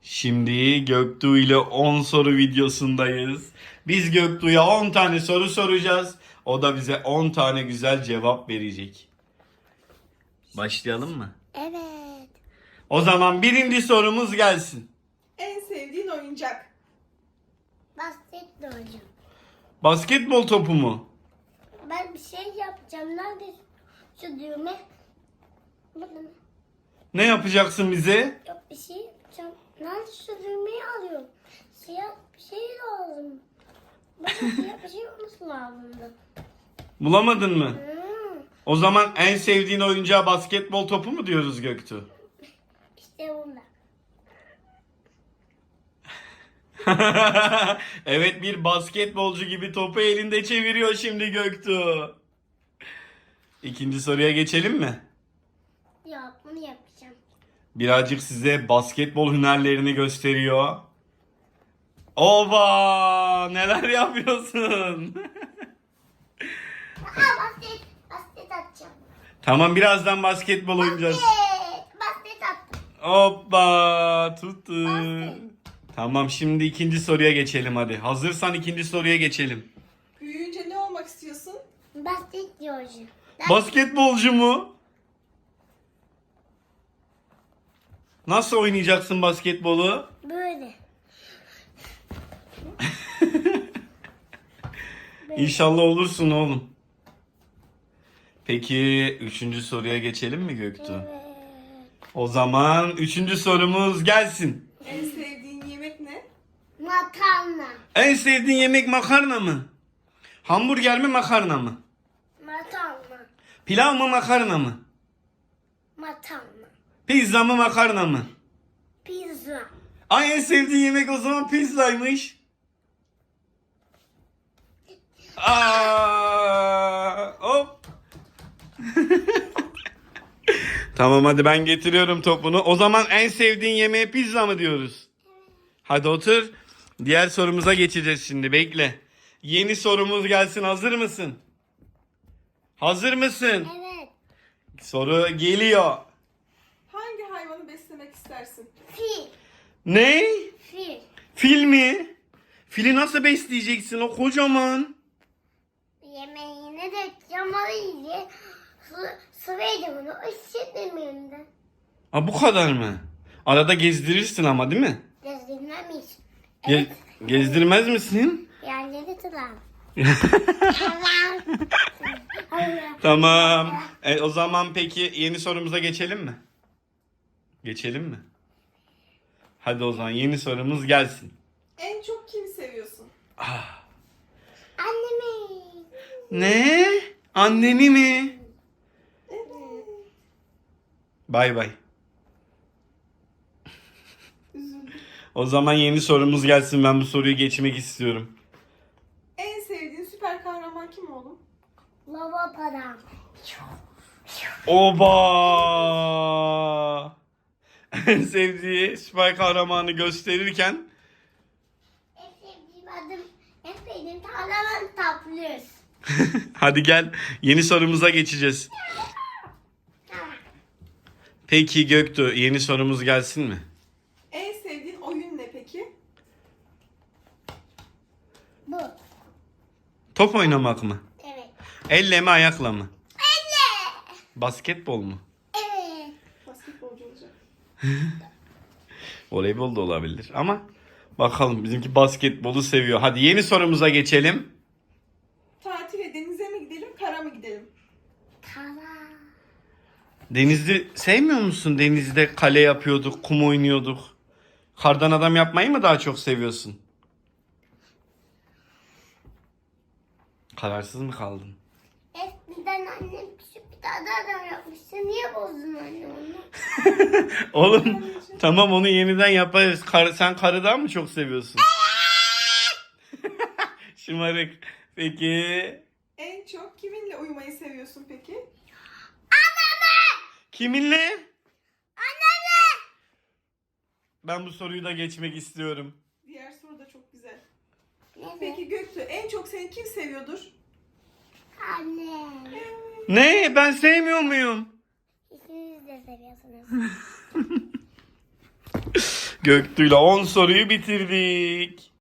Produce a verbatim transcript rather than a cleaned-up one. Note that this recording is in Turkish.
Şimdi Göktuğ ile on soru videosundayız. Biz Göktuğ'a on tane soru soracağız. O da bize on tane güzel cevap verecek. Başlayalım mı? Evet. O zaman birinci sorumuz gelsin. En sevdiğin oyuncak? Basketbol hocam. Basketbol topu mu? Ben bir şey yapacağım. Nerede şu düğme? Burada mı? Ne yapacaksın bize? Yok bir şey yapacağım. Nerede şu düğmeyi alıyorum? Siyah bir şey lazım. Bana siyah bir şey olması lazımdı. Bulamadın mı? Hmm, O zaman en sevdiğin oyuncağa basketbol topu mu diyoruz Göktuğ? işte bunda. Evet, bir basketbolcu gibi topu elinde çeviriyor şimdi Göktuğ. İkinci soruya geçelim mi? Yok bunu yapacağım. Birazcık size basketbol hünerlerini gösteriyor. Oba! Neler yapıyorsun? Aa basket. Basket atacağım. Tamam, birazdan basketbol oynayacağız. Basket. Basket attım. Hoppa! Tuttu. Basket. Tamam, şimdi ikinci soruya geçelim hadi. Hazırsan ikinci soruya geçelim. Büyüyünce ne olmak istiyorsun? Basket diyor hocam. Basketbolcu mu? Nasıl oynayacaksın basketbolu? Böyle. İnşallah olursun oğlum. Peki üçüncü soruya geçelim mi Göktuğ? Evet. O zaman üçüncü sorumuz gelsin. En sevdiğin yemek ne? Makarna. En sevdiğin yemek makarna mı? Hamburger mi makarna mı? Makarna. Pilav mı makarna mı? Makarna. Pizza mı makarna mı? Pizza. Ay, en sevdiğin yemek o zaman pizzaymış. Aa, hop. Tamam, hadi ben getiriyorum topunu. O zaman en sevdiğin yemeğe pizza mı diyoruz? Hadi otur. Diğer sorumuza geçeceğiz şimdi. Bekle. Yeni sorumuz gelsin. Hazır mısın? Hazır mısın? Evet. Soru geliyor. Hangi hayvanı beslemek istersin? Fil. Ne? Fil. Fil mi? Fili nasıl besleyeceksin, o kocaman? Yemeğine de yamalıydı. Su, su verdi bunu. Işık de. Ha, bu kadar mı? Arada gezdirirsin ama, değil mi? Gezdirmemiş. Ge- gezdirmez misin? Yerleri tutar. Tamam. Tamam. E, o zaman peki yeni sorumuza geçelim mi? Geçelim mi? Hadi o zaman yeni sorumuz gelsin. En çok kimi seviyorsun? Annemi. Ne? Anneni mi? Evet. Bay bay. Üzüldüm. O zaman yeni sorumuz gelsin. Ben bu soruyu geçmek istiyorum. En sevdiğin süper kahraman kim oğlum? Lava param. Oba! En sevdiği süper kahramanı gösterirken En sevdiğim adım, en sevdiğim kahraman tatlıyoruz. hadi gel, yeni sorumuza geçeceğiz. Tamam. Peki Göktuğ, yeni sorumuz gelsin mi? En sevdiğin oyun ne peki? Bu. Top oynamak mı? Evet. Elle mi ayakla mı? Elle. Basketbol mu? Evet. Basketbolcu olacak. Voleybol da olabilir ama bakalım, bizimki basketbolu seviyor. Hadi yeni sorumuza geçelim. Tatile denize mi gidelim, kara mı gidelim? Tamam. Denizde sevmiyor musun? Denizde kale yapıyorduk, kum oynuyorduk. Kardan adam yapmayı mı daha çok seviyorsun? Kararsız mı kaldın? Eskiden annem küçük bir tane adam yapmıştı. Niye bozdun anne onu? Oğlum tamam, onu yeniden yaparız. Kar, sen karıdan mı çok seviyorsun? Şımarık. Peki. En çok kiminle uyumayı seviyorsun peki? Kiminle? Annemle. Ben bu soruyu da geçmek istiyorum. Diğer soru da çok güzel. Ne? Peki Göktuğ, en çok seni kim seviyordur? Anne. Ne? Ben sevmiyor muyum? İkiniz de seviyorsunuz. Göktuğ'la on soruyu bitirdik.